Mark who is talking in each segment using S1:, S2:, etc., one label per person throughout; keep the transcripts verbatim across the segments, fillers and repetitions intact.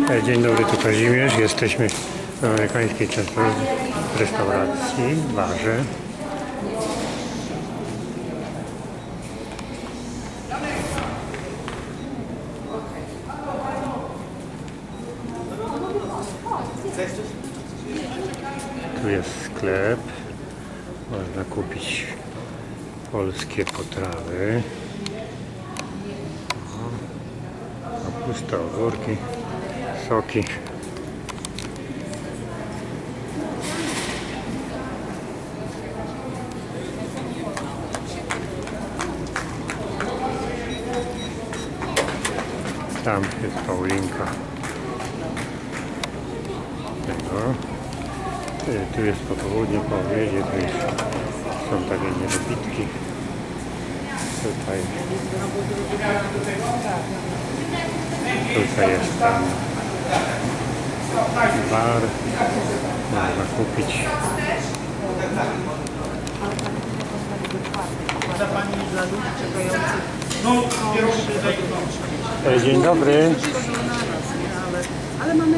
S1: E, Dzień dobry, tu Kazimierz. Jesteśmy w amerykańskiej często- restauracji, barze. Tu jest sklep. Można kupić polskie potrawy. Kapusta, ogórki, soki. Tam jest Paulinka. Tego. Y, Tu jest popołudnie, po obiedzie, tu jest, są takie niedobitki. Tutaj, tutaj jest tam bar, można kupić.
S2: Dla Pani i dla ludzi czekających.
S1: E, Dzień dobry.
S2: Ale mamy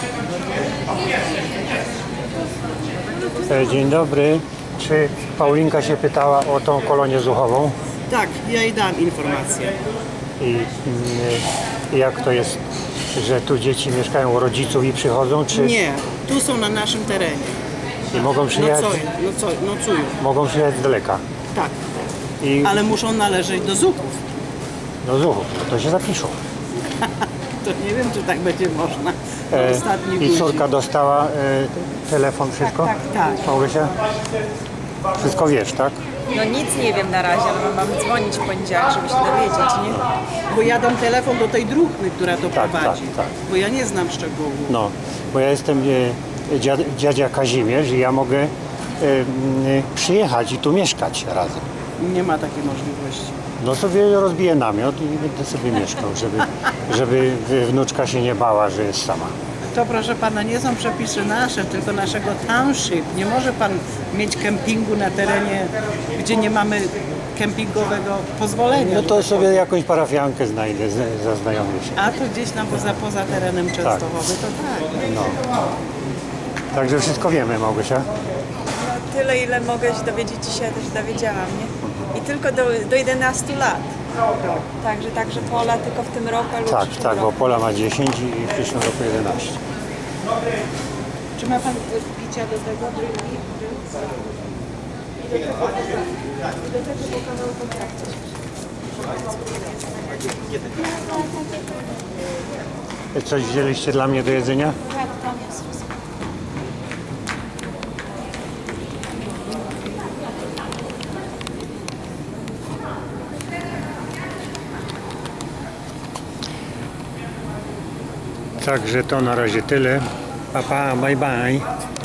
S1: E, Dzień dobry. Czy Paulinka się pytała o tą kolonię zuchową?
S2: Tak, ja jej dam informację.
S1: I mm, jak to jest, że tu dzieci mieszkają u rodziców i przychodzą, czy
S2: Nie, tu są na naszym terenie.
S1: i mogą przyjechać,
S2: Nocują, nocują, nocują.
S1: mogą przyjechać z daleka?
S2: Tak,
S1: I
S2: ale muszą należeć do zuchów.
S1: do zuchów, to się zapiszą.
S2: To nie wiem, czy tak będzie można. Do
S1: E,
S2: ostatnich
S1: I
S2: godzin.
S1: córka dostała e, telefon, wszystko?
S2: tak, tak.
S1: Małgosia? Wszystko wiesz, tak?
S3: No nic nie wiem na razie, ale mam dzwonić w poniedziałek, żeby się dowiedzieć, nie?
S2: Bo ja dam telefon do tej druhny, która to
S1: Tak,
S2: prowadzi.
S1: tak, tak.
S2: Bo ja nie znam szczegółów.
S1: No, bo ja jestem e, dziad, dziadzia Kazimierz i ja mogę e, m, przyjechać i tu mieszkać razem.
S2: Nie ma takiej możliwości.
S1: No sobie rozbiję namiot i będę sobie mieszkał, żeby, żeby wnuczka się nie bała, że jest sama.
S2: To proszę pana, nie są przepisy nasze, tylko naszego township. Nie może pan mieć kempingu na terenie, gdzie nie mamy kempingowego pozwolenia.
S1: No to sobie jakąś parafiankę znajdę, z- zaznajomię się.
S2: A to gdzieś tam poza, poza terenem Częstochowy, to tak.
S1: No. Także wszystko wiemy, Małgosia.
S3: No, tyle, ile mogę się dowiedzieć, dzisiaj też dowiedziałam, nie? I tylko do, do jedenastu lat. Także, także Pola tylko w tym roku albo w
S1: Tak,
S3: przyszłym
S1: tak, bo
S3: roku.
S1: Pola ma dziesięć i w przyszłym roku jedenaście.
S2: Czy ma pan picia do tego? Drinki?
S1: Coś wzięliście dla mnie do jedzenia? Także to na razie tyle. Pa, pa, bye bye.